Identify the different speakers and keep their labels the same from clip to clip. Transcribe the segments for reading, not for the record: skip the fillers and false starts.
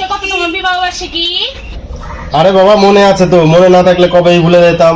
Speaker 1: আজকে কত তোমার বিবাহ বার্ষিকী?
Speaker 2: আরে বাবা মনে আছে তো, মনে না থাকলে কবেই ভুলে যেতাম।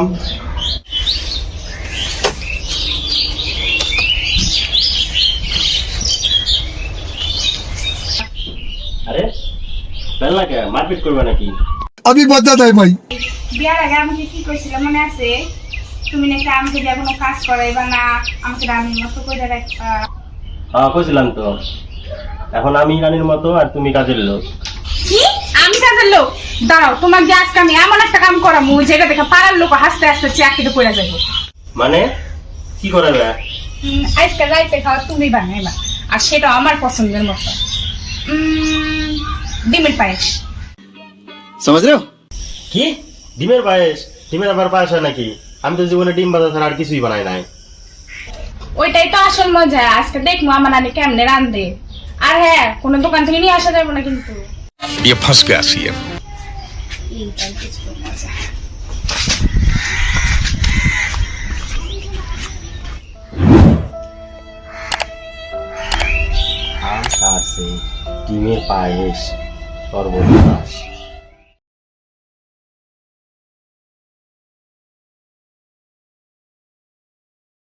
Speaker 2: আরে বেলা কে মারপিট করবে নাকি?
Speaker 3: अभी बता है भाई।
Speaker 4: বিয়ার আগে আমাকে কি কইছিল মনে আছে? তুমি নাকি আমাকে দিয়ে কোনো কাজ করাইবা না, আমাকে রানীর মতো করে রাখবা।
Speaker 2: হ্যাঁ কইছিলাম তো। এখন আমি রানীর মতো আর তুমি কাজের লোক।
Speaker 4: কি আমি কাজের লোক? দাঁড়াও, তোমার যে আজকে আমি এমন একটা কাম করামু যেটা দেখে পাড়ার লোক হাসতে হাসতে চাকরিতে পড়ে যাবো।
Speaker 2: মানে কি করাবে?
Speaker 4: আজকে রাইতে খাওয়া তুমি বানাইবা, আর সেটা আমার পছন্দের মতো। ডিমের পায়েস।
Speaker 3: समझ रहे हो?
Speaker 2: কি ডিমের পায়েস? ডিমের আবার পায়েস হয় নাকি? আমি তো জীবনে ডিম ভাজা ছাড়া আর কিছুই বানাই নাই।
Speaker 4: ওইটাই তো আসল মজা। আজকে দেখবো আমার নানি কেমনে রান্ধে। আর হ্যাঁ, কোনো দোকান থেকে নিয়ে আসা যাবে না কিন্তু।
Speaker 5: ये फंस गया सीएम।
Speaker 4: এইটাই কিছু মজা।
Speaker 2: আম খাচ্ছে ডিমের পায়েস সর্বনাশ।